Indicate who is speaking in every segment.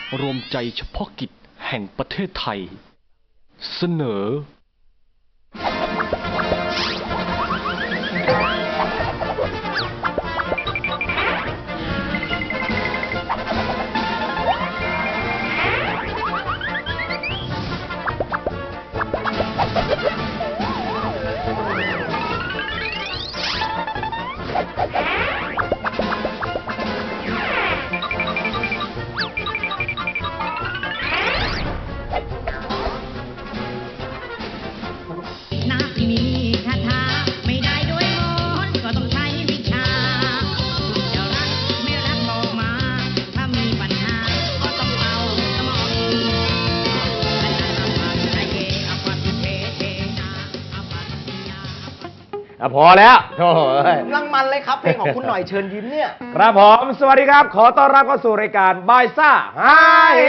Speaker 1: รวมใจเฉพาะกิจแห่งประเทศไทยเสนอ
Speaker 2: พอแล้วโถ่
Speaker 3: กำลังมันเลยครับเพลงของคุณหน่อยเชิญยิ้มเนี่ย
Speaker 2: ครับผมสวัสดีครับขอต้อนรับเข้าสู่รายการบายซ่าฮาเฮ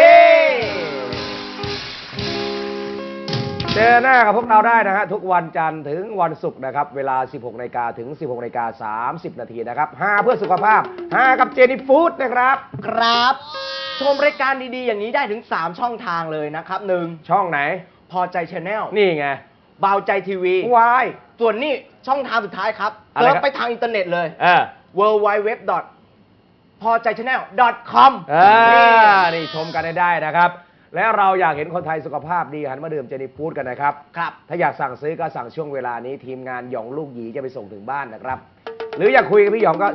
Speaker 2: เจอหน้ากับพวกเราได้นะฮะทุกวันจันทร์ถึงวันศุกร์นะครับเวลา 16 นาฬิกาถึง 16 นาฬิกา 30 นาทีนะครับฮาเพื่อสุขภาพฮากับเจนี่ฟู้ดนะครับ
Speaker 3: ครับชมรายการดีๆอย่างนี้ได้ถึง3ช่องทางเลยนะครับ1
Speaker 2: ช่องไหน
Speaker 3: พอใจชาแนล
Speaker 2: นี่ไง
Speaker 3: เบาใจทีวี
Speaker 2: วาย
Speaker 3: ส่วนนี้ช่องทางสุดท้ายครับเซิร์ชไปทางอินเทอร์เน็ตเลย www. พอใจ channel.com
Speaker 2: นี่ชมกันได้นะครับและเราอยากเห็นคนไทยสุขภาพดีหันมาดื่มเจนี่ฟู้ดกันนะครับ
Speaker 3: ครับ
Speaker 2: ถ้าอยากสั่งซื้อก็สั่งช่วงเวลานี้ทีมงานหยองลูกหยีจะไปส่งถึงบ้านนะครับหรืออยากคุยกับพี่หยองก็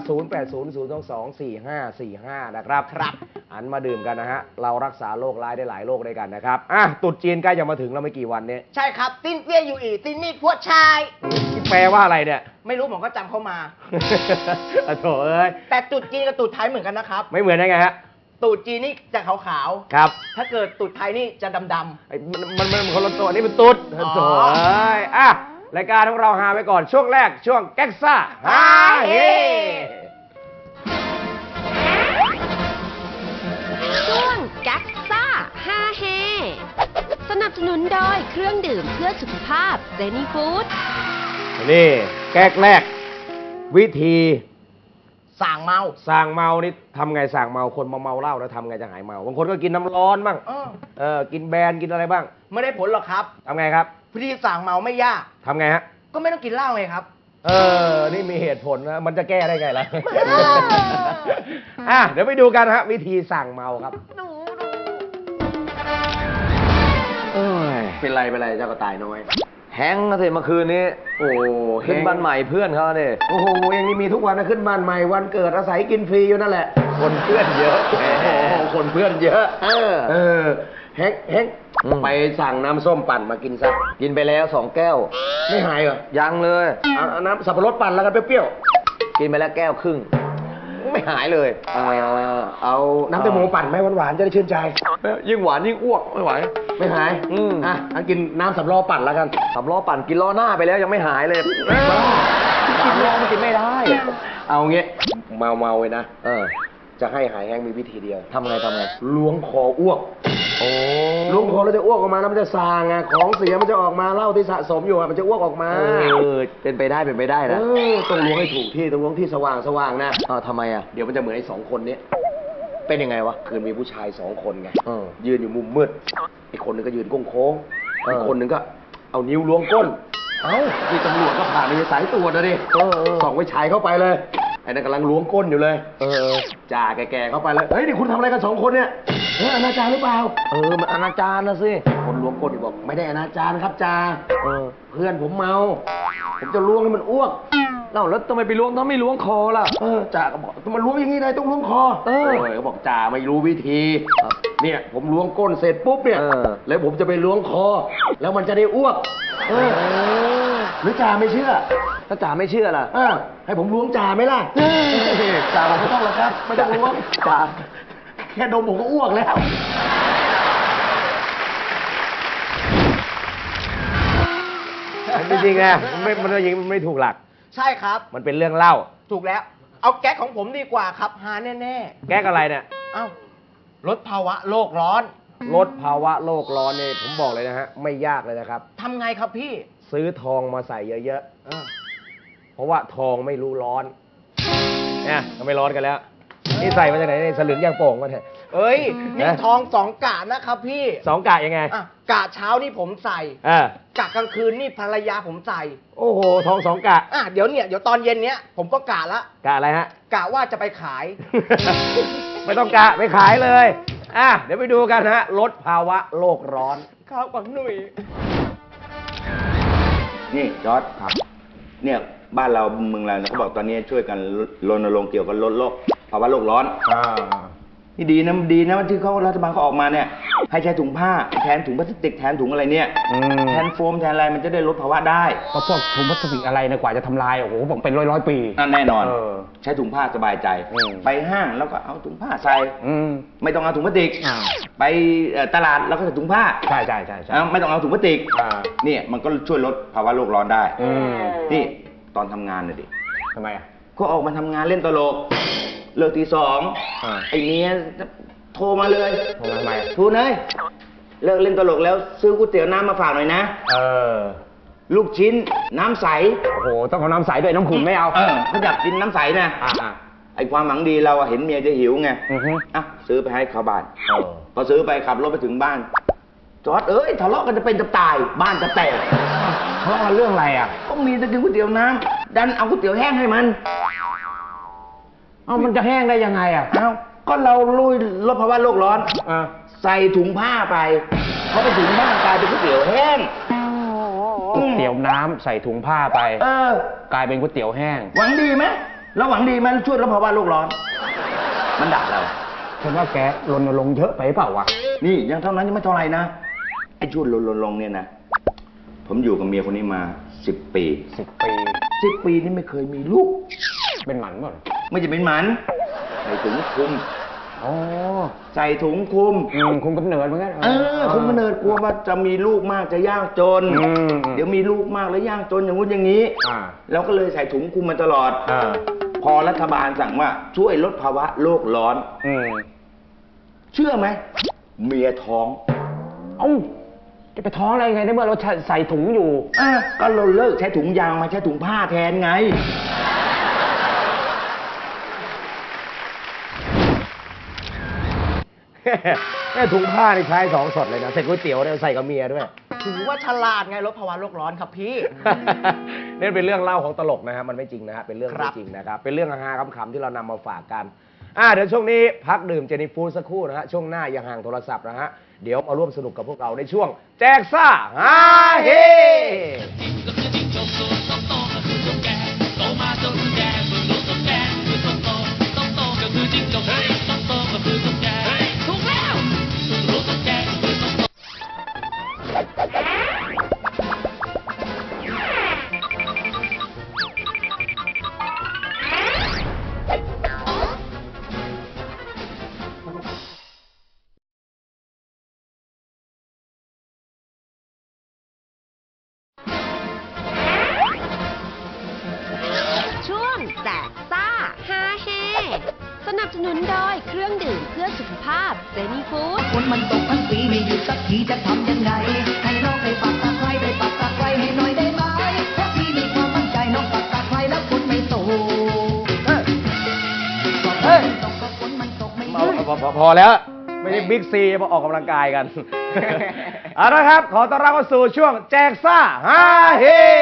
Speaker 2: 0800224545 นะครับหันมาดื่มกันนะฮะเรารักษาโรคร้ายได้หลายโรคด้วยกันนะครับตรุษจีนใกล้จะมาถึงแล้วไม่กี่วันนี้
Speaker 3: ใช่ครับติ้นเปี้ยอยู่อีติ้นนี่พวกชาย
Speaker 2: แปลว่าอะไรเนี่ย
Speaker 3: ไม่รู้ผมก็จำเข้ามา
Speaker 2: โถ่เอ้ย
Speaker 3: แต่ตรุษจีนกับตรุษไทยเหมือนกันนะครับ
Speaker 2: ไม่เหมือนได้ไงฮะ
Speaker 3: ตรุษจีนนี่จะขาว
Speaker 2: ๆครับ
Speaker 3: ถ้าเกิดตรุษไทยนี่จะดำ
Speaker 2: ๆมันคนละตัวนี่เป็นตุ๊ดโถ่เอ้ยรายการของเราฮาไปก่อนช่วงแรกช่วงแก๊กซ่าฮาเฮ
Speaker 4: ช่วงแก๊กซ่าฮาเฮสนับสนุนโดยเครื่องดื่มเพื่อสุขภาพเจนี่ฟู้ด
Speaker 2: นี่แก๊กแรกวิธี
Speaker 3: สั่งเมา
Speaker 2: นี่ทำไงสั่งเมาคนเมาเหล้าแล้วทำไงจะหายเมาบางคนก็กินน้ำร้อนบ้างกินแบนกินอะไรบ้าง
Speaker 3: ไม่ได้ผลหรอกครับ
Speaker 2: ทำไงครับ
Speaker 3: วิธีสั่งเมาไม่ยาก
Speaker 2: ทำไงฮะ
Speaker 3: ก็ไม่ต้องกินเหล้าไงครับ
Speaker 2: นี่มีเหตุผลนะมันจะแก้ได้ไงล่ะ เดี๋ยวไปดูกันฮะวิธีสั่งเมาครับ
Speaker 5: เป็นไรเจ้ากระต่ายน้อยแฮงก์นะสิเมื่อคืนนี้โอ้ขึ้นบ้านใหม่เพื่อนเขาเนี่ย
Speaker 2: โอ้โหอย่างนี้มีทุกวันนะขึ้นบ้านใหม่วันเกิดอาศัยกินฟรีอยู่นั่นแหละ
Speaker 5: คนเพื่อนเยอะ
Speaker 2: คนเพื่อนเยอะแฮงไปสั่งน้ำส้มปั่นมากินซะ
Speaker 5: กินไปแล้ว2 แก้ว
Speaker 2: ไม่หายเหรอ
Speaker 5: ยังเลย
Speaker 2: เอาน้ำสับปะรดปั่นแล้วกันเปรี้ยว
Speaker 5: กินไปแล้ว1.5 แก้วไม่หายเลย
Speaker 2: เอาน้ำแตงโมปั่นไหมหวานๆจะได้ชื่นใจ
Speaker 5: ยิ่งหวานยิ่งอ้วกไม่ไหว
Speaker 2: ไม่หายกินน้ำสำล้อปั่นแล้วกัน
Speaker 5: สำล้อปั่นกินล้อหน้าไปแล้วยังไม่หายเลยกินล้อมันกินไม่ได้
Speaker 2: เอางี้เมาเลยนะจะให้หายแห้งมีวิธีเดียว
Speaker 5: ทำไง
Speaker 2: ล้วงคออ้วกล้วงคอแล้วจะอ้วกออกมาแล้วมันจะซางไงของเสียมันจะออกมาเหล้าที่สะสมอยู่มันจะอ้วกออกมา
Speaker 5: เป็นไปได้นะ
Speaker 2: ต้องล้วงให้ถูกที่ต้องล้วงที่สว่างนะ
Speaker 5: ทำไม
Speaker 2: เดี๋ยวมันจะเหมือนไอ้2 คนนี้เป็นยังไงวะคืนมีผู้ชาย2 คนไงยืนอยู่มุมมืดอีกคนนึงก็ยืนโค้งอีกคนนึงก็เอานิ้วล้วงก้นที่ตำรวจก็ผ่านในสายตรวจนะดิส่องไว้ฉายเข้าไปเลยไอ้นั่นกำลังล้วงก้นอยู่เลยจ่าแก่ๆเข้าไปเลยเฮ้ยนี่คุณทำอะไรกัน2 คนเนี่ยอนาจารหรือเปล่า
Speaker 5: มันอนาจารนะสิ
Speaker 2: คนล้วงก้นบอกไม่ได้อนาจารครับจ่าเพื่อนผมเมาผมจะล้วงให้มันอ้วก
Speaker 5: แล้วทำไมไปล้วงต้องไม่ล้วงคอล่ะ
Speaker 2: จ่าก็บอกมันล้วงอย่างนี้ได้ต้องล้วงคอเขาบอกจ่าไม่รู้วิธีเนี่ยผมล้วงก้นเสร็จปุ๊บเนี่ยแล้วผมจะไปล้วงคอแล้วมันจะได้อ้วกหรือจ่าไม่เชื่อ
Speaker 5: ถ้าจ่าไม่เชื่อล่ะ
Speaker 2: ให้ผมล้วงจ่าไหมล่ะจ่าบอกไม่ต้องหรอกครับไม่ต้องล้วงจ่าแค่ดมผมก็อ้วกแล้วจริงๆนะมันจริงไม่ถูกหลัก
Speaker 3: ใช่ครับ
Speaker 2: มันเป็นเรื่องเล่า
Speaker 3: ถูกแล้วเอาแก๊กของผมดีกว่าครับหาแน่
Speaker 2: แก๊กอะไรเนี่ย
Speaker 3: ลดภาวะโลกร้อน
Speaker 2: ลดภาวะโลกร้อนเนี่ยผมบอกเลยนะฮะไม่ยากเลยนะครับ
Speaker 3: ทำไงครับพี่
Speaker 2: ซื้อทองมาใส่เยอะๆเพราะว่าทองไม่รู้ร้อนเนี่ยก็ไม่ร้อนกันแล้วนี่ใส่มาจากไหนนี่สลึงยางโป่งมาเถอะ
Speaker 3: เอ้ยนี่ทอง2 กะนะครับพี่
Speaker 5: 2 กะยังไง
Speaker 3: อ่ะกะเช้านี่ผมใส่
Speaker 5: อ่าก
Speaker 3: ะกลางคืนนี่ภรรยาผมใส่
Speaker 5: โอ้โห ทอง 2 กะ
Speaker 3: เดี๋ยวตอนเย็นเนี้ยผมก็กะละ
Speaker 5: กะอะไรฮะ
Speaker 3: กะว่าจะไปขาย
Speaker 5: ไม่ต้องกะไปขายเลย เดี๋ยวไปดูกันฮะ ลดภาวะโลกร้อน
Speaker 3: ข้าวกวางหนุ่ย
Speaker 6: นี่จอร์ดครับ เนี่ยบ้านเราเมืองเราเนี่ยเขาบอกตอนนี้ช่วยกันรณรงค์เกี่ยวกับลดโลกภาวะโลกร้อนนี่ดีนะที่เขารัฐบาลเขาออกมาเนี่ยให้ใช้ถุงผ้าแทนถุงพลาสติกแทนถุงอะไรเนี่ยแทนโฟมแทนอะไรมันจะได้ลดภาวะได้
Speaker 7: ก็พวกถุงพลาสติกอะไรนะกว่าจะทำลายโอ้โหบอกเป็นร้อยปี
Speaker 6: นั่นแน่นอนใช้ถุงผ้าสบายใจไปห้างแล้วก็เอาถุงผ้าใส่ไม่ต้องเอาถุงพลาสติกไปตลาดแล้วก็ใส่ถุงผ้า
Speaker 7: ใช่
Speaker 6: ไม่ต้องเอาถุงพลาสติกเนี่ยมันก็ช่วยลดภาวะโลกร้อนได้นี่ตอนทำงานน่ะดิ
Speaker 7: ทำไมอ่ะ
Speaker 6: ก็ออกมาทำงานเล่นตลกเลิกตี 2ไอ้เมียโทรมาเลย
Speaker 7: ทำไม
Speaker 6: ทูนเอ้ยเลิกเล่นตลกแล้วซื้อก๋วยเตี๋ยวน้ำมาฝากหน่อยนะลูกชิ้นน้ำใส
Speaker 7: โอ้โหต้องเอาน้ำใสด้วยน้ำขุ่นไม่เอา
Speaker 6: เขาอยากกินน้ำใสนะไอ้ความหวังดีเราเห็นเมียจะหิวไงซื้อไปให้เขาบ้านพอซื้อไปขับรถไปถึงบ้านจอดทะเลาะกันจะเป็นจะตายบ้านจะแตก
Speaker 7: ทะเลาะกันเรื่องอะไรอ่ะ
Speaker 6: ก็มีจะกินก๋วยเตี๋ยวน้ำดันเอาก๋วยเตี๋ยวแห้งให้มัน
Speaker 7: มันจะแห้งได้ยังไงอ่ะ
Speaker 6: ก็เราลุยลดภาวะโลกร้อนใส่ถุงผ้าไปเขาไปถุงผ้ากลายเป็นก๋วยเตี๋ยวแห้ง
Speaker 7: ก๋วยเตี๋ยวน้ำใส่ถุงผ้าไปกลายเป็นก๋วยเตี๋ยวแห้ง
Speaker 6: หวังดีไหมแล้วหวังดีไหมช่วยลดภาวะโลกร้อนมันด่าเรา
Speaker 7: ฉันว่าแกรณรงค์เยอะไปเปล่าวะ
Speaker 6: นี่ยังเท่านั้นยังไม่เท่าไหร่นะไอ้ช่วยรณรงค์เนี่ยนะผมอยู่กับเมียคนนี้มา10 ปี10 ปีนี่ไม่เคยมีลูก
Speaker 7: เป็นหมันป่ะ
Speaker 6: ไม่จะเป็นหมันใส่ถุงคลุมใส่ถุงคลุม
Speaker 7: คุมกำเนิดเหมือนกัน
Speaker 6: คุมกำเนิดกลัวว่าจะมีลูกมากจะยากจนเดี๋ยวมีลูกมากแล้วยากจนอย่างงู้นอย่างนี้เราก็เลยใส่ถุงคลุมมาตลอดพอรัฐบาลสั่งว่าช่วยลดภาวะโลกร้อนเชื่อไหมเมียท้อง
Speaker 7: จะไปท้องอะไรไงในเมื่อเราใส่ถุงอยู่
Speaker 6: ก็เราเลิกใช้ถุงยางมาใช้ถุงผ้าแทนไง
Speaker 5: แม่ถุงผ้านี่ใช้2 สดเลยนะใส่ก๋วยเตี๋ยวเนี่ยใส่กับเมียด้วย
Speaker 3: ถือว่าฉลาดไงลดภาวะโลกร้อนครับพี่
Speaker 5: นี่เป็นเรื่องเล่าของตลกนะฮะมันไม่จริงนะฮะเป็นเรื่องไม่จริงนะครับเป็นเรื่องฮาๆขำๆที่เรานำมาฝากกันเดี๋ยวช่วงนี้พักดื่มเจนี่ฟู้ดสักครู่นะฮะช่วงหน้าอย่าห่างโทรศัพท์นะฮะเดี๋ยวมาร่วมสนุกกับพวกเราในช่วงแจกซ่าฮาเฮ
Speaker 4: สนับสนุนโดยเครื่องดื่มเพื่อสุขภาพเซนีฟู้ด
Speaker 8: ฝนมันตกทั้งปีไม่หยุดสักทีจะทำยังไงให้น้องได้ปักตะไคร้ได้ปักตะไคร้ให้หน่อยได้ไหมเพราะพี่มีความมั่นใจน้องปักตะไคร้แล้วฝนไม่ตกฝนมันตกไม่หยุด
Speaker 5: พอแล้วไม่ได้บิ๊กซีมาออกกำลังกายกัน เอาละครับขอต้อนรับเข้าสู่ช่วงแจกซ่าฮาเฮ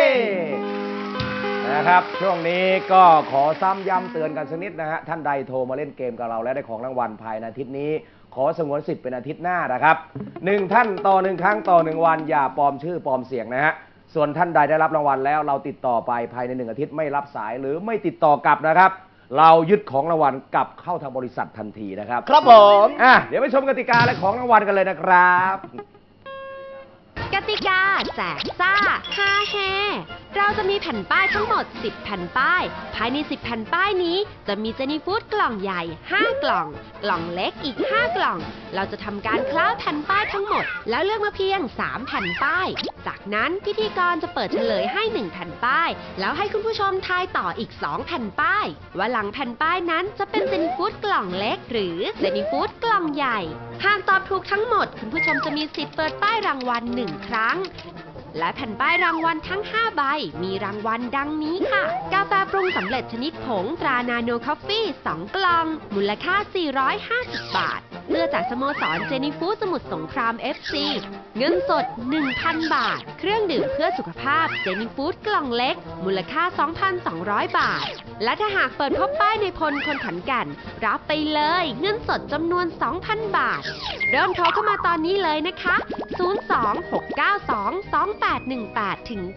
Speaker 5: นะครับช่วงนี้ก็ขอซ้ำย้ำเตือนกันสักนิดนะฮะท่านใดโทรมาเล่นเกมกับเราและได้ของรางวัลภายในอาทิตย์นี้ขอสงวนสิทธิ์เป็นอาทิตย์หน้านะครับ1 ท่านต่อ1 ครั้งต่อ1 วันอย่าปลอมชื่อปลอมเสียงนะฮะส่วนท่านใดได้รับรางวัลแล้วเราติดต่อไปภายใน1 อาทิตย์ไม่รับสายหรือไม่ติดต่อกลับนะครับเรายึดของรางวัลกลับเข้าทางบริษัททันทีนะครับ
Speaker 3: ครับผม
Speaker 5: เดี๋ยวไปชมกติกาและของรางวัลกันเลยนะครับ
Speaker 4: กติกาแจกซ่าฮาเฮเราจะมีแผ่นป้ายทั้งหมด10แผ่นป้ายภายใน10แผ่นป้ายนี้จะมีเจนี่ฟู้ดกล่องใหญ่5กล่องกล่องเล็กอีก5กล่องเราจะทำการคล้าแผ่นป้ายทั้งหมดแล้วเลือกมาเพียง3แผ่นป้ายจากนั้นพิธีกรจะเปิดเฉลยให้1แผ่นป้ายแล้วให้คุณผู้ชมทายต่ออีก2แผ่นป้ายว่าหลังแผ่นป้ายนั้นจะเป็นเจนี่ฟู้ดกล่องเล็กหรือเจนี่ฟู้ดกล่องใหญ่หากตอบถูกทั้งหมดคุณผู้ชมจะมีสิทธิ์เปิดป้ายรางวัล1 ครั้งและแผ่นป้ายรางวัลทั้ง5ใบมีรางวัลดังนี้ค่ะกาแฟปรุงสำเร็จชนิดผงตรานาโนคอฟฟี่2 กล่องมูลค่า450 บาทเสื้อจากสโมสรเจนิฟูดสมุทรสงคราม FC เงินสด 1,000 บาท เครื่องดื่มเพื่อสุขภาพเจนิฟูดกล่องเล็กมูลค่า 2,200 บาท และถ้าหากเปิดพบป้ายในพลคนขอนแก่นรับไปเลยเงินสดจำนวน 2,000 บาท เริ่มโทรเข้ามาตอนนี้เลยนะคะ 026922818-9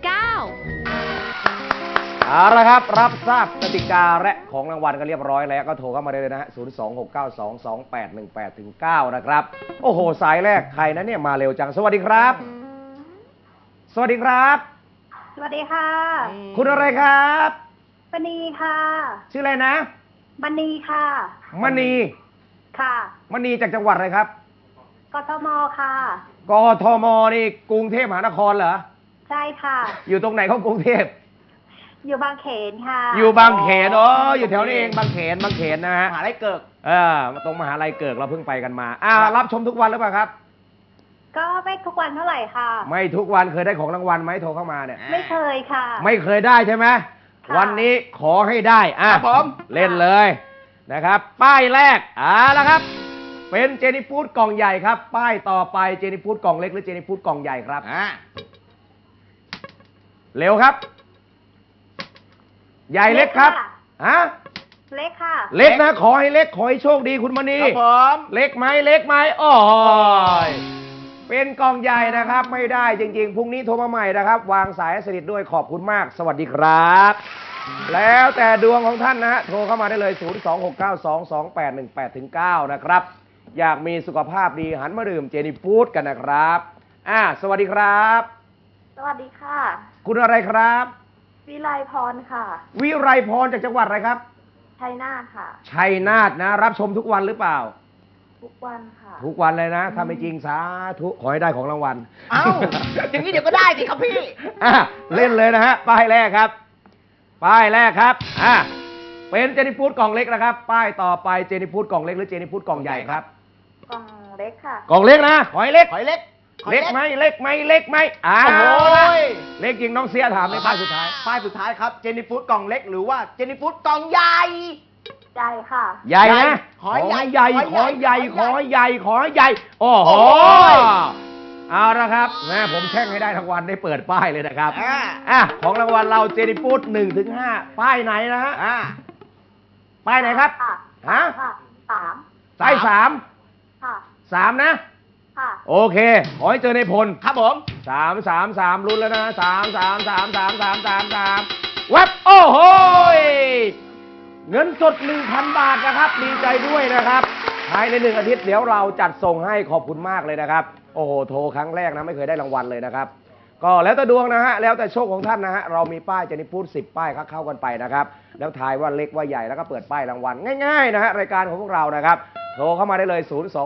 Speaker 5: เอาละครับรับทราบกติกาและของรางวัลกันเรียบร้อยแล้วก็โทรเข้ามาได้เลยนะฮะ 026922818-9 นะครับโอ้โหสายแรกใครนะเนี่ยมาเร็วจังสวัสดีครับสวัสดีครับ
Speaker 9: สวัสดีค่ะ
Speaker 5: คุณอะไรครับ
Speaker 9: มณีค่ะ
Speaker 5: ชื่ออะไรนะ
Speaker 9: มณีค่ะ
Speaker 5: มณี
Speaker 9: ค่ะ
Speaker 5: มณีจากจังหวัดอะไรครับ
Speaker 9: กทมค่ะ
Speaker 5: กทมนี่กรุงเทพมหานครเหรอ
Speaker 9: ใช่ค่ะ
Speaker 5: อยู่ตรงไหนของกรุงเทพ
Speaker 9: อยู่บางเขนค่ะ
Speaker 5: อยู่บางเขนอยู่แถวนี้เองบางเขนนะฮะ
Speaker 3: มหาลัยเกิก
Speaker 5: ตรงมหาลัยเกิกเราเพิ่งไปกันมารับชมทุกวันหรือเปล่าครับ
Speaker 9: ก็ไม่ทุกวันเท่าไหร่ค่ะ
Speaker 5: ไม่ทุกวันเคยได้ของรางวัลไหมโทรเข้ามาเนี่ย
Speaker 9: ไม่เคยค่ะ
Speaker 5: ไม่เคยได้ใช่ไหม
Speaker 9: ค่ะ
Speaker 5: วันนี้ขอให้ได้
Speaker 3: ครับผม
Speaker 5: เล่นเลยนะครับป้ายแรกแล้วครับเป็นเจนิฟูดกล่องใหญ่ครับป้ายต่อไปเจนิฟูดกล่องเล็กหรือเจนิฟูดกล่องใหญ่ครับเร็วครับใหญ่เล็กครับฮะ
Speaker 9: เล็กค่ะ
Speaker 5: เล็กนะขอให้เล็กขอให้โชคดีคุณมณี
Speaker 3: ครับผม
Speaker 5: เล็กไหมโอ้ยเป็นกล่องใหญ่นะครับไม่ได้จริงๆพรุ่งนี้โทรมาใหม่นะครับวางสายสนิทด้วยขอบคุณมากสวัสดีครับ แล้วแต่ดวงของท่านนะฮะโทรเข้ามาได้เลย 026922818-9 นะครับอยากมีสุขภาพดีหันมาดื่มเจนิฟูดกันนะครับสวัสดีครับ
Speaker 9: สวัสดีค่ะ
Speaker 5: คุณอะไรครับ
Speaker 9: วิไลพรค่ะ
Speaker 5: วิไรพรจากจังหวัดอะไรครับ
Speaker 9: ชัยนาทค่ะ
Speaker 5: ชัยนาทนะรับชมทุกวันหรือเปล่า
Speaker 9: ทุกวันค่ะ
Speaker 5: ทุกวันเลยนะถ้าไม่จริงสาธุขอให้ได้ของรางวัล
Speaker 3: เอ้าอย่างนี้เดี๋ยวก็ได้สิครับพี่
Speaker 5: เล่นเลยนะฮะป้ายแรกครับป้ายแรกครับเป็นเจนิฟูดกล่องเล็กนะครับป้ายต่อไปเจนิฟูดกล่องเล็กหรือเจนิฟูดกล่องใหญ่ครับ
Speaker 9: กล่องเล็กค่ะ
Speaker 5: กล่องเล็กนะหอยเล็ก
Speaker 3: หอยเล็ก
Speaker 5: เล็กไหมเล็กไหมเล็กจริงน้องเสียถามในป้ายสุดท้าย
Speaker 3: ป้ายสุดท้ายครับเจนี่ฟูดกล่องเล็กหรือว่าเจนี่ฟูดกล่องใหญ่
Speaker 9: ใหญ่ค่ะ
Speaker 5: ใหญ่นะ
Speaker 3: ขอใหญ่
Speaker 5: ใหญ่ขอใหญ่ขอใหญ่ขอใหญ่โอ้โหเอาละครับแม่ผมแช่งให้ได้ทั้งวันได้เปิดป้ายเลยนะครับของรางวัลเราเจนิฟูด1-5ป้ายไหนนะฮะป้ายไหนครับ
Speaker 9: ค่ะ
Speaker 5: ฮะ
Speaker 9: ค่ะสาม
Speaker 5: สาย3
Speaker 9: ค่ะ
Speaker 5: 3นะ
Speaker 9: ค่ะ
Speaker 5: โอเคขอให้เจอในพล
Speaker 3: ครับผม
Speaker 5: 3ลุ้นแล้วนะ3 วับโอ้โหเงินสด 1,000 บาทนะครับดีใจด้วยนะครับภายใน1 อาทิตย์เดี๋ยวเราจัดส่งให้ขอบคุณมากเลยนะครับโอ้โหโทรครั้งแรกนะไม่เคยได้รางวัลเลยนะครับก็แล้วแต่ดวงนะฮะแล้วแต่โชคของท่านนะฮะเรามีป้ายเจนิฟูด10 ป้ายเข้ากันไปนะครับแล้วทายว่าเล็กว่าใหญ่แล้วก็เปิดป้ายรางวัลง่ายๆนะฮะรายการของพวกเรานะครับโทรเข้ามาได้เลย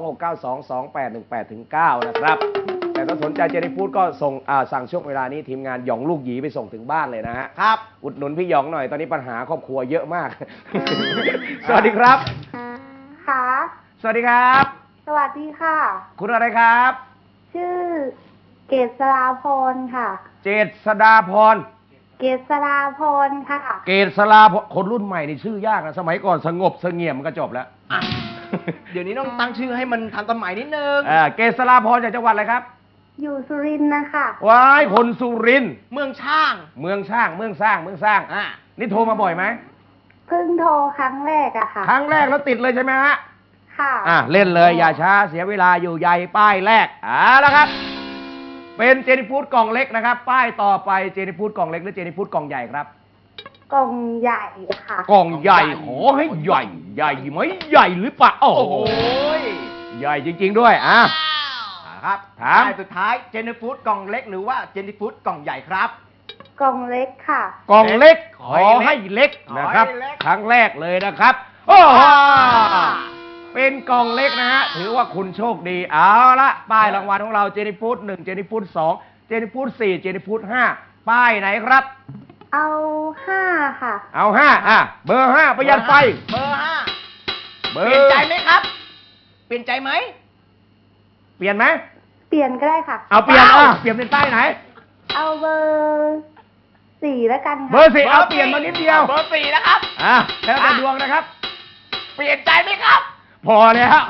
Speaker 5: 026922818-9 นะครับแต่ถ้าสนใจเจนิฟูดก็ส่งสั่งช่วงเวลานี้ทีมงานหยองลูกหยีไปส่งถึงบ้านเลยนะฮะครับอุดหนุนพี่หยองหน่อยตอนนี้ปัญหาครอบครัวเยอะมาก สวัสดีครับ
Speaker 9: ค่ะ
Speaker 5: สวัสดีครับ
Speaker 9: สวัสดีค่ะ
Speaker 5: คุณอะไรครับ
Speaker 9: ชื่อเกษราพรค่ะ
Speaker 5: เจษฎาพร
Speaker 9: เกษราพรค่ะ
Speaker 5: เกษราพรคนรุ่นใหม่นี่ชื่อยากนะสมัยก่อนสงบเสงี่ยมมันก็จบแล้ว
Speaker 3: เดี๋ยวนี้ต้องตั้งชื่อให้มันทันสมัยนิดนึง
Speaker 5: เกษราพรจากจังหวัดอะไรครับ
Speaker 9: อยู่สุรินทร์นะคะ
Speaker 5: ว้ายคนสุรินทร์
Speaker 3: เมืองช่าง
Speaker 5: เมืองสร้างนี่โทรมาบ่อยไหม
Speaker 9: เพิ่งโทรครั้งแรกอะค่ะ
Speaker 5: ครั้งแรกแล้วติดเลยใช่ไหมฮะ
Speaker 9: ค่ะ
Speaker 5: เล่นเลยอย่าช้าเสียเวลาอยู่ใหญ่ป้ายแรกแล้วครับเป็นเจนิฟูดกล่องเล็กนะครับป้ายต่อไปเจนิฟูดกล่องเล็กหรือเจนิฟูดกล่องใหญ่ครับ
Speaker 9: กล่องใหญ่ค่ะ
Speaker 5: กล่องใหญ่ขอให้ใหญ่ใหญ่ไหมใหญ่หรือเปล่าโอ้โหใหญ่จริงๆด้วย
Speaker 3: ครับ
Speaker 5: ถาม
Speaker 3: ป้ายสุดท้ายเจนี่ฟูดกล่องเล็กหรือว่าเจนี่ฟูดกล่องใหญ่ครับ
Speaker 9: กล่องเล็กค่ะ
Speaker 5: กล่องเล็กขอให้เล็กนะครับ
Speaker 3: ขอให้เล็ก
Speaker 5: ครั้งแรกเลยนะครับโอ้โหเป็นกล่องเล็กนะฮะถือว่าคุณโชคดีเอาละป้ายรางวัลของเราเจนิฟูด1เจนิฟูด2เจนิฟูด4เจนิฟูด5ป้ายไหนครับ
Speaker 9: เอา5ค่ะ
Speaker 5: เอา5เบอร์5ประหยัดไฟ
Speaker 3: เบอร์
Speaker 5: เบ
Speaker 3: 5
Speaker 5: อ
Speaker 3: เปลี่ยน
Speaker 5: ร์
Speaker 3: ใจไหมครับ เปลี่ยนใจไหม
Speaker 5: เปลี่ยนไหม
Speaker 9: เปลี่ยนก็ได้ค่ะ
Speaker 5: เอาเปลี่ยนเปลี่ยนเป็นป้ายไหน
Speaker 9: เอาเบอร์4แล้วกัน
Speaker 5: เบอ
Speaker 9: ค่ะ
Speaker 5: ร์4เอาเปลี่ยนมานิดเดียว
Speaker 3: เบอร์4นะครับ
Speaker 5: แล้วแต่ดวงนะครับ
Speaker 3: เปลี่ยนใจไหมครับ
Speaker 5: พอแล้ว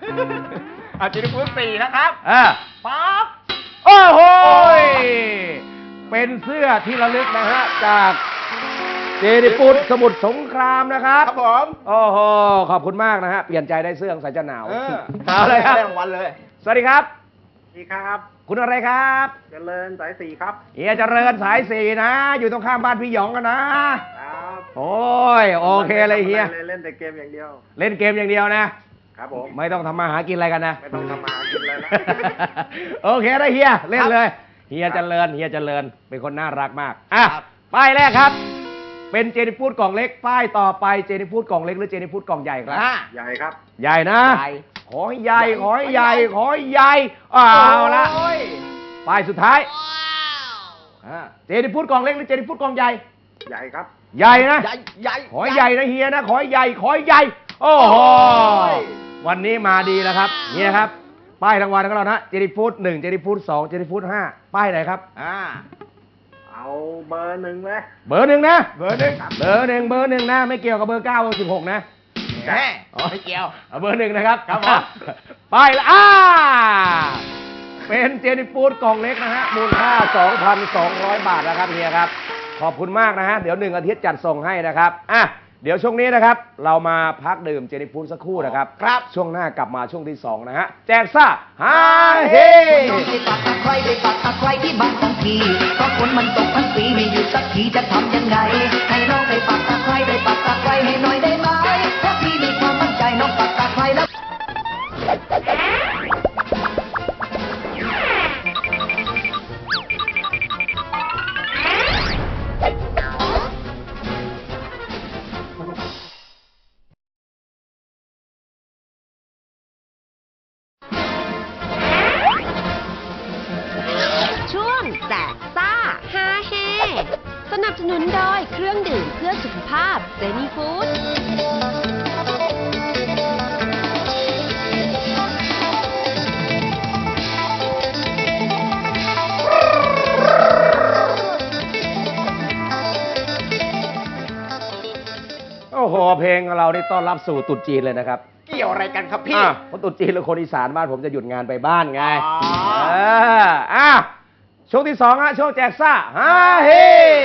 Speaker 3: เอาเจนี่ฟูด4นะครับ
Speaker 5: ปั๊บโอ้โหเป็นเสื้อที่ระลึกนะฮะจากเจนิฟูดสมุทรสงครามนะครับ
Speaker 3: ครับผม
Speaker 5: โอ้โหขอบคุณมากนะฮะเปลี่ยนใจได้เสื้อใส่จะหนาวเอาเลยครับ
Speaker 3: ได้รางวัลเลย
Speaker 5: สวัสดีครับ
Speaker 10: สวัสดีครับ
Speaker 5: คุณอะไรครับ
Speaker 10: เจริญสายสี่ครับ
Speaker 5: เฮียเจริญสายสี่นะ อยู่ตรงข้ามบ้านพี่หยองกันนะครับ โอ้ยโอเคเลยเฮีย
Speaker 10: เล่นแต่เกมอย่างเดียว
Speaker 5: เล่นเกมอย่างเดียวนะครับ
Speaker 10: ผม
Speaker 5: ไม่ต้องทำมาหากินอะไรกันนะ
Speaker 10: ไม่ต้องทำมาหากินอะไรแล้ว
Speaker 5: โอเคได้เฮียเล่นเลยเฮียเจริญเป็นคนน่ารักมากอ่ะป้ายแรกครับ เป็นเจนิฟูดกล่องเล็กป้ายต่อไปเจนิฟูดกล่องเล็กหรือเจนิฟูดกล่องใหญ่ครับ
Speaker 10: ใหญ่ครับ
Speaker 5: ใหญ่นะ
Speaker 3: ใหญ่
Speaker 5: ขอให้ใหญ่ขอให้ใหญ่ขอให้ใหญ่เอาละ
Speaker 3: โอ้ย
Speaker 5: ป้ายสุดท้ายเจนิฟูดกล่องเล็กหรือเจนิฟูดกล่องใหญ่
Speaker 10: ใหญ่ครับ
Speaker 5: ใหญ่นะ
Speaker 3: ใหญ่
Speaker 5: ขอให้ใหญ่นะเฮียนะขอให้ใหญ่ขอให้ใหญ่โอ้โหวันนี้มาดีแล้วครับนี่นะครับป้ายรางวัลของเรานะเจนิฟูด1เจนิฟูด2เจนิฟูด5ป้ายไหนครับ
Speaker 10: เอาเบอร์ 1เลย
Speaker 5: เบอร์ 1นะเบอร์ 1เบอร์ 1นะไม่เกี่ยวกับเบอร์9เบอร์16นะ
Speaker 3: แหมไม่เกี่ยว
Speaker 5: เอาเบอร์ 1นะครับ
Speaker 3: ครับผม
Speaker 5: ป้ายละเป็นเจนิฟูดกล่องเล็กนะฮะมูลค่า 2,200 บาทนะครับเฮียครับขอบคุณมากนะฮะเดี๋ยว1 อาทิตย์จัดส่งให้นะครับเดี๋ยวช่วงนี้นะครับเรามาพักดื่มเจนิฟูดสักครู่นะครับช่วงหน้ากลับมาช่วงที่2นะฮะแจกซ่าฮาเฮ
Speaker 8: ไปปักตะไคร้ไปปักตะไคร้ที่บ้านของพี่เพราะฝนมันตกทั้งปีไม่หยุดสักทีจะทำยังไง ให้น้องไปปักตะไคร้ไปปักตะไคร้ให้หน่อยได้ไหมเพราะพี่มีความมั่นใจน้องปักตะไคร้แล้ว
Speaker 4: ช่วงแจกซ่าฮาเฮสนับสนุนโดยเครื่องดื่มเพื่อสุขภาพเจนี่ฟู้ด
Speaker 5: โอ้โหเพลงของเรานี่ต้อนรับสู่ตรุษจีนเลยนะครับ
Speaker 3: เกี่ยวอะไรกันครับพี่
Speaker 5: เพราะตรุษจีนแล้วคนอีสานบ้านผมจะหยุดงานไปบ้านไง
Speaker 3: อ๋อ
Speaker 5: ช่วงที่2ฮะช่วงแจกซ่าฮาเฮ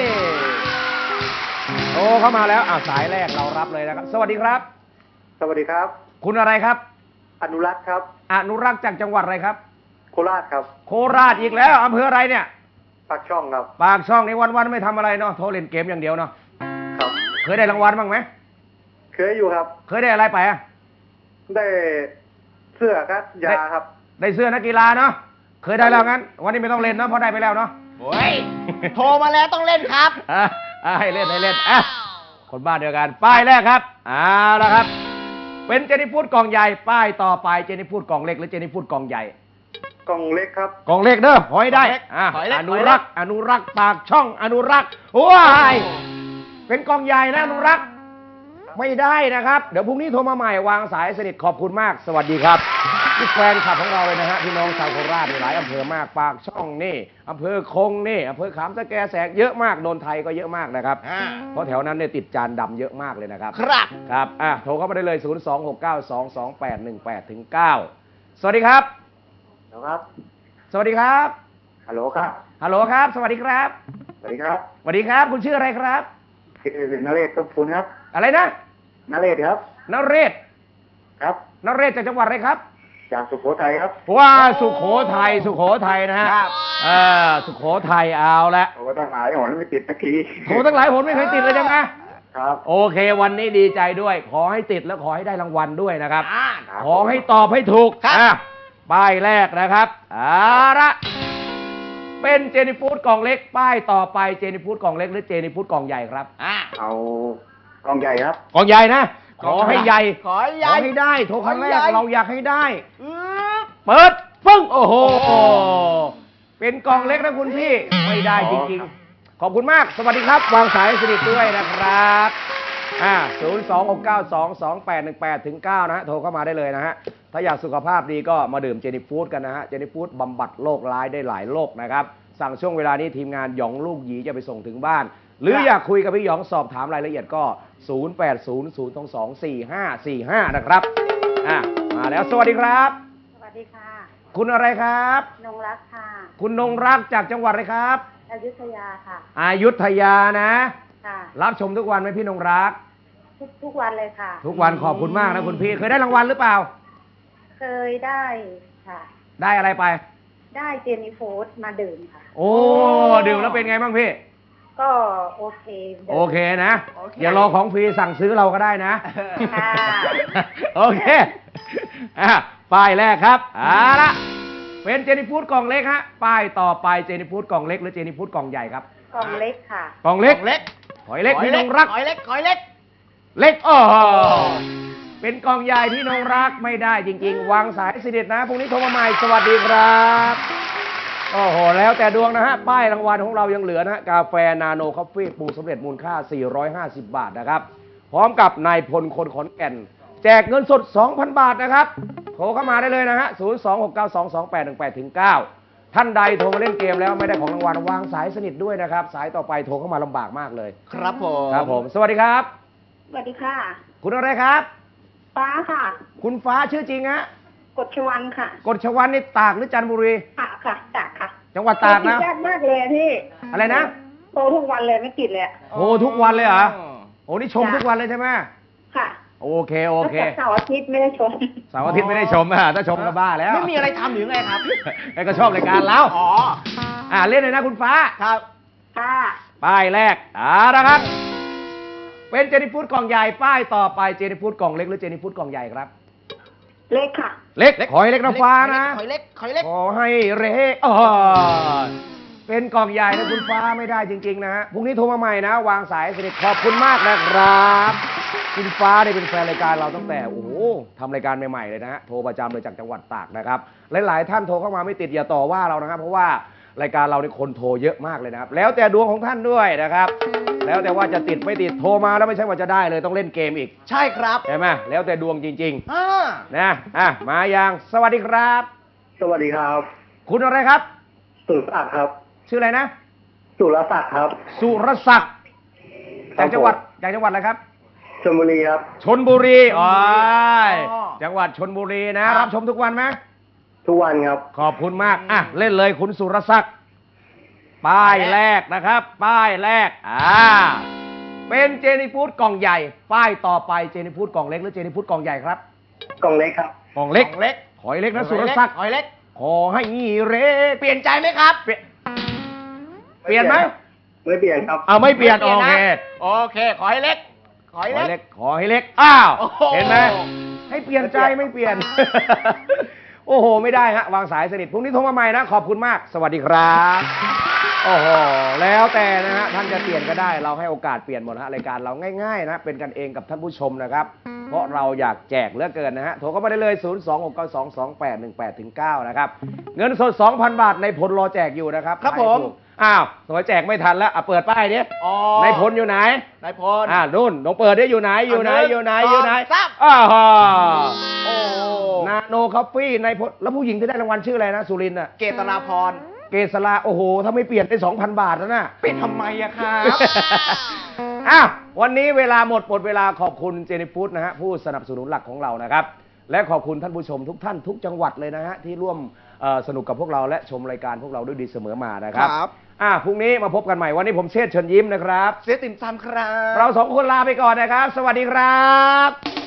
Speaker 5: โอ้เข้ามาแล้วสายแรกเรารับเลยนะครับ สวัสดีครับ
Speaker 10: สวัสดีครับ
Speaker 5: คุณอะไรครับ
Speaker 10: อนุรักษ์ครับ
Speaker 5: อนุรักษ์จากจังหวัดอะไรครับ
Speaker 10: โคราชครับ
Speaker 5: โคราชอีกแล้วอำเภออะไรเนี่ย
Speaker 10: ปากช่องครับ
Speaker 5: ปากช่องนี้วันๆไม่ทำอะไรเนาะโทรเล่นเกมอย่างเดียวเนาะ
Speaker 10: ครับ
Speaker 5: เคยได้รางวัลบ้างไหม
Speaker 10: เคยอยู่ครับ
Speaker 5: เคยได้อะไรไปอะ
Speaker 10: ได้เสื้อครับ ยาครับ
Speaker 5: ได้เสื้อนักกีฬาเนาะเคยได้แล้วงั้น วันนี้ไม่ต้องเล่นเนาะเพราะได้ไปแล้วเนาะ
Speaker 3: โอ้ย โทรมาแล้วต้องเล่นครับ
Speaker 5: ให้เล่นคนบ้านเดียวกันป้ายแรกครับเอาละครับ เป็นเจนิฟูดกล่องใหญ่ป้ายต่อไปเจนิฟูดกล่องเล็กหรือเจนิฟูดกล่องใหญ่
Speaker 10: กล่องเล็กครับ
Speaker 5: กล่องเล็กเด้อหอยได้
Speaker 3: หอยเล็ก
Speaker 5: อนุรักษ์อนุรักษ์ปากช่องอนุรักษ์ว้ายเป็นกล่องใหญ่นะอนุรักษ์ไม่ได้นะครับเดี๋ยวพรุ่งนี้โทรมาใหม่วางสายสนิทขอบคุณมากสวัสดีครับที่แฟนคลับของเราเลยนะฮะพี่น้องชาวโคราชหลายอำเภอมากปากช่องนี่อำเภอคงนี่อำเภอขามสแกแสกเยอะมากโดนไทยก็เยอะมากนะครับเพราะแถวนั้นเนี่ยติดจานดำเยอะมากเลยนะครับ
Speaker 3: ครับ
Speaker 5: ครับโทรเข้ามาได้เลย 026922818ถึง9สวัสดีครับ
Speaker 10: ครับ
Speaker 5: สวัสดีครับ
Speaker 10: ฮัลโหลครับ
Speaker 5: ฮัลโหลครับ สวัสดีครับ
Speaker 10: สวัสดีครับ
Speaker 5: สวัสดีครับ คุณชื่ออะไรครับ
Speaker 10: คือนเรศต้นพูนครับ
Speaker 5: อะไรนะ
Speaker 10: นเรศครับ
Speaker 5: นเรศ
Speaker 10: ครับ
Speaker 5: นเรศจากจังหวัดอะไรครับ
Speaker 10: จากสุโขทัยครับ
Speaker 5: ว้าสุโขทัยนะฮะ
Speaker 3: ครับ
Speaker 5: สุโขทัยเอาละ
Speaker 10: โอ้ตั้งหลายหนไม่ติดสักที
Speaker 5: โทรตั้งหลายผลไม่เคยติดเลยจังนะ
Speaker 10: ครับ
Speaker 5: โอเค วันนี้ดีใจด้วย ขอให้ติดแล้วขอให้ได้รางวัลด้วยนะครับ
Speaker 10: ครับ
Speaker 5: ขอให้ตอบให้ถูก
Speaker 3: ครับ
Speaker 5: ป้ายแรกนะครับละเป็นเจนิฟูดกล่องเล็ก ป้ายต่อไปเจนิฟูดกล่องเล็กหรือเจนิฟูดกล่องใหญ่ครับ
Speaker 10: เอากล่องใหญ่ครับ
Speaker 5: กล่องใหญ่นะ ขอให้ใหญ่
Speaker 3: ขอให้ใหญ่
Speaker 5: ให้ได้โทรครั้งแร
Speaker 3: ขอให้
Speaker 5: ก
Speaker 3: ใหญ่
Speaker 5: เราอยากให้ได้
Speaker 3: อืม
Speaker 5: เปิดปึ้งโอ้โห เป็นกล่องเล็กนะคุณพี่ ไม่ได้จริงๆ ขอบคุณมาก สวัสดีครับ วางสายสนิทด้วยนะครับ026922818ถึง9นะฮะโทรเข้ามาได้เลยนะฮะถ้าอยากสุขภาพดีก็มาดื่มเจนิฟูดกันนะฮะเจนิฟูดบำบัดโรคร้ายได้หลายโรคนะครับสั่งช่วงเวลานี้ทีมงานหยองลูกหยีจะไปส่งถึงบ้าน หรืออยากคุยกับพี่หยองสอบถามรายละเอียดก็ 0800224545 นะครับมาแล้วสวัสดีครับ
Speaker 9: สวัสดีค่ะ
Speaker 5: คุณอะไรครับ
Speaker 9: นงรักค่ะ
Speaker 5: คุณนงรักจากจังหวัดอะไรครับ
Speaker 9: อยุธยาค่ะ
Speaker 5: อยุธยานะ
Speaker 9: ค่ะ
Speaker 5: รับชมทุกวันไหมพี่นงรัก
Speaker 9: ทุกวันเลยค่ะ
Speaker 5: ทุกวันขอบคุณมากนะคุณพี่เคยได้รางวัลหรือเปล่า
Speaker 9: เคยได้ค่ะ
Speaker 5: ได้อะไรไป
Speaker 9: ได้เจนี่ฟู้ดมาดื่มค่ะ
Speaker 5: โอ้ดื่มแล้วเป็นไงบ้างพี่
Speaker 9: ก็โอเคดื่ม
Speaker 5: โอเคนะ อย่ารอของฟรีสั่งซื้อเราก็ได้นะ
Speaker 9: ค่ะ
Speaker 5: โอเคป้ายแรกครับละเป็นเจนี่ฟู้ดกล่องเล็กฮะป้ายต่อไปเจนี่ฟู้ดกล่องเล็กหรือเจนี่ฟู้ดกล่องใหญ่ครับ
Speaker 9: กล่องเล็กค่ะ
Speaker 5: กล่องเล็กหอยเล็กพี่นงรัก
Speaker 3: หอยเล็กหอยเล็ก
Speaker 5: เล็กเป็นกล่องใหญ่พี่นงรักไม่ได้จริงๆ วางสายสิเด็ดนะพรุ่งนี้โทรมาใหม่สวัสดีครับโอ้โหแล้วแต่ดวงนะฮะป้ายรางวัลของเรายังเหลือนะฮะกาแฟนาโนคอฟฟี่ปรุงสำเร็จมูลค่า450 บาทนะครับพร้อมกับนายพลคนขอนแก่นแจกเงินสด 2,000 บาทนะครับโทรเข้ามาได้เลยนะฮะ026922818-9ท่านใดโทรมาเล่นเกมแล้วไม่ได้ของรางวัลวางสายสนิทด้วยนะครับสายต่อไปโทรเข้ามาลำบากมากเลย
Speaker 3: ครับผม
Speaker 5: ครับผมสวัสดีครับ
Speaker 9: สวัสดีค่ะ
Speaker 5: คุณอะไรครับ
Speaker 9: ฟ้าค่ะ
Speaker 5: คุณฟ้าชื่อจริงฮะ
Speaker 9: กฎชวันค่ะ
Speaker 5: กฎชวันนี่ตากหรือจันทบุรี
Speaker 9: ค่ะตากค่ะ
Speaker 5: จังหวัดตากนะ
Speaker 9: ยากมากเลยพี่
Speaker 5: อะไรนะ
Speaker 9: โทรทุกวันเลยไม่ติดเลย
Speaker 5: โอ้ทุกวันเลยเหรอโอ้นี่ชมทุกวันเลยใช่ไหม
Speaker 9: ค่ะ
Speaker 5: โอเคโอเค
Speaker 9: เสาร์อาทิตย์ไม่ได้ชม
Speaker 5: เสาร์อาทิตย์ไม่ได้ชมถ้าชมก็บ้าแล้ว
Speaker 3: ไม่มีอะไรทำหรือไงครับ
Speaker 5: ไอ้ก็ชอบรายการเรา
Speaker 3: อ๋อ
Speaker 5: เล่นเลยนะคุณฟ้า
Speaker 3: ครับ
Speaker 9: ค่ะ
Speaker 5: ป้ายแรกนะครับ เป็นเจนี่ฟู้ดกล่องใหญ่ป้ายต่อไปเจนี่ฟู้ดกล่องเล็กหรือเจนี่ฟู้ดกล่องใหญ่ครับ
Speaker 9: เล็กค่ะ
Speaker 5: เล็กขอให้เล็กนะฟ้านะ
Speaker 3: หอยเล็กหอยเล็ก
Speaker 5: ขอให้เล็กเป็นกล่องใหญ่นะคุณฟ้าไม่ได้จริงๆนะฮะพรุ่งนี้โทรมาใหม่นะ วางสายสนิทขอบคุณมากนะครับคุณฟ้าได้เป็นแฟนรายการเราตั้งแต่โอ้โหทำรายการใหม่ๆเลยนะฮะโทรประจำเลยจากจังหวัดตากนะครับหลายๆท่านโทรเข้ามาไม่ติดอย่าต่อว่าเรานะครับเพราะว่ารายการเราในคนโทรเยอะมากเลยนะครับแล้วแต่ดวงของท่านด้วยนะครับแล้วแต่ว่าจะติดไม่ติดโทรมาแล้วไม่ใช่ว่าจะได้เลยต้องเล่นเกมอีก
Speaker 3: ใช่ครับ
Speaker 5: ใช่ไหมแล้วแต่ดวงจริง
Speaker 3: อ่า
Speaker 5: ๆนะมายังสวัสดีครับ
Speaker 10: สวัสดีครับ
Speaker 5: คุณอะไรครับ
Speaker 10: สุรศักดิ์ครับ
Speaker 5: ชื่ออะไรนะ
Speaker 10: สุรศักดิ์ครับ
Speaker 5: สุรศักดิ์
Speaker 10: ครั
Speaker 5: จา
Speaker 10: บ
Speaker 5: กจังหวัดอะไรครับ
Speaker 10: ชลบุรีครับ
Speaker 5: ชนบุรีจังหวัดชนบุรีนะ รับชมทุกวันไหม
Speaker 10: ทุกวันครับ
Speaker 5: ขอบคุณมากเล่นเลยคุณสุรศักดิ์ป้ายแรกนะครับ ป้ายแรกเป็นเจนี่ฟู้ดกล่องใหญ่ ป้ายต่อไปเจนี่ฟู้ดกล่องเล็กหรือเจนี่ฟู้ดกล่องใหญ่ครับ
Speaker 10: กล่องเล็กครับ
Speaker 5: กล่องเล็กหอยเล็กนะสุรศักดิ์
Speaker 3: หอยเล็ก
Speaker 5: ขอให้เล็ก
Speaker 3: เปลี่ยนใจไหมครับ
Speaker 5: เปลี่ยนไหม
Speaker 10: ไม่เปลี่ยนครับ
Speaker 5: ไม่เปลี่ยนโอเค
Speaker 3: โอเคขอให้เล็กขอให้เล็ก
Speaker 5: ขอให้เล็ก
Speaker 3: โอ้โห
Speaker 5: เห็นไหมให้เปลี่ยนใจไม่เปลี่ยน โอ้โหไม่ได้ฮะวางสายสนิทพรุ่งนี้โทรมาใหม่นะขอบคุณมากสวัสดีครับโอ้โหแล้วแต่นะฮะท่านจะเปลี่ยนก็ได้เราให้โอกาสเปลี่ยนหมดฮะรายการเราง่ายๆนะเป็นกันเองกับท่านผู้ชมนะครับเพราะเราอยากแจกเหลือเกินนะฮะโทรเข้ามาได้เลย026922818-9นะครับเงินสด 2,000 บาทในพลรอแจกอยู่นะครับ
Speaker 3: ครับผม
Speaker 5: หน่วยแจกไม่ทันแล้วเปิดป้ายดิ
Speaker 3: อ๋อ
Speaker 5: ในพลอยู่ไหน
Speaker 3: นายพล
Speaker 5: นู่นน้องเปิดได้อยู่ไหนอยู่ไหน
Speaker 3: 1
Speaker 5: อยู่ไหน
Speaker 3: 2
Speaker 5: อยู่ไหน
Speaker 3: 3
Speaker 5: อ้าว
Speaker 3: โอ้
Speaker 5: นาโนคอฟฟี่ในพลแล้วผู้หญิงที่ได้รางวัลชื่ออะไรนะสุรินทร์น่ะ
Speaker 3: เกตนาพร
Speaker 5: เกษราโอ้โหถ้าไม่เปลี่ยนได้ 2,000 บาทแล้วนะ
Speaker 3: เป็นทำไมอะครับ
Speaker 5: วันนี้เวลาหมดเวลาขอบคุณเจนี่ฟู้ดนะฮะผู้สนับสนุนหลักของเรานะครับและขอบคุณท่านผู้ชมทุกท่านทุกจังหวัดเลยนะฮะที่ร่วมสนุกกับพวกเราและชมรายการพวกเราด้วยดีเสมอมานะครับ
Speaker 3: ครับ
Speaker 5: พรุ่งนี้มาพบกันใหม่วันนี้ผมเชษฐ์เชิญยิ้มนะครับ
Speaker 3: เสียติ่มซำครับ
Speaker 5: เราสองคนลาไปก่อนนะครับ สวัสดีครับ